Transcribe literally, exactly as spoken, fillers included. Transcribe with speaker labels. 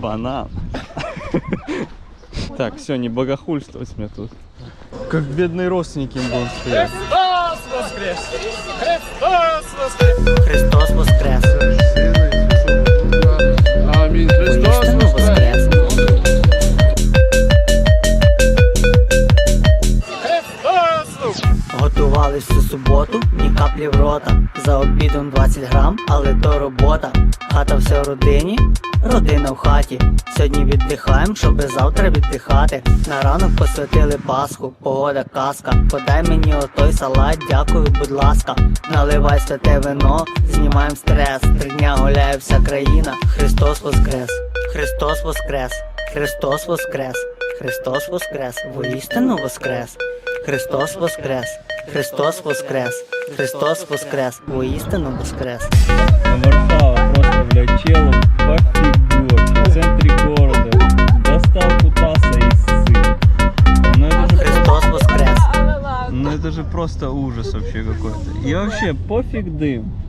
Speaker 1: Банан. Так, все, не богохульствовать мне тут. Как бедные родственники им будут стоять.
Speaker 2: Христос воскрес! Христос воскрес!
Speaker 3: Христос воскрес!
Speaker 4: Амінь. Христос
Speaker 3: Воістину воскрес!
Speaker 2: Христос!
Speaker 3: Готувались всю суботу, ні каплі в рота. За обідом двадцять грам, але то робота. Хата вся в родині, родина в хаті. Сьогодні віддихаєм, щоби завтра віддихати. На ранок посвятили Пасху, погода казка. Подай мені отой салат, дякую, будь ласка. Наливай святе вино, знімаєм стрес. Три дня гуляє вся країна. Христос воскрес! Христос воскрес! Христос воскрес! Христос воскрес! Воістину воскрес! Христос воскрес! Христос воскрес! Христос воскрес! Воістину воскрес!
Speaker 1: Варшава просто, блядь, челом пофигу. В центре города. Достал кутаса и ссыт. Ну это же
Speaker 3: Христос воскрес!
Speaker 1: Ну это же просто ужас вообще какой-то. И вообще пофиг дым.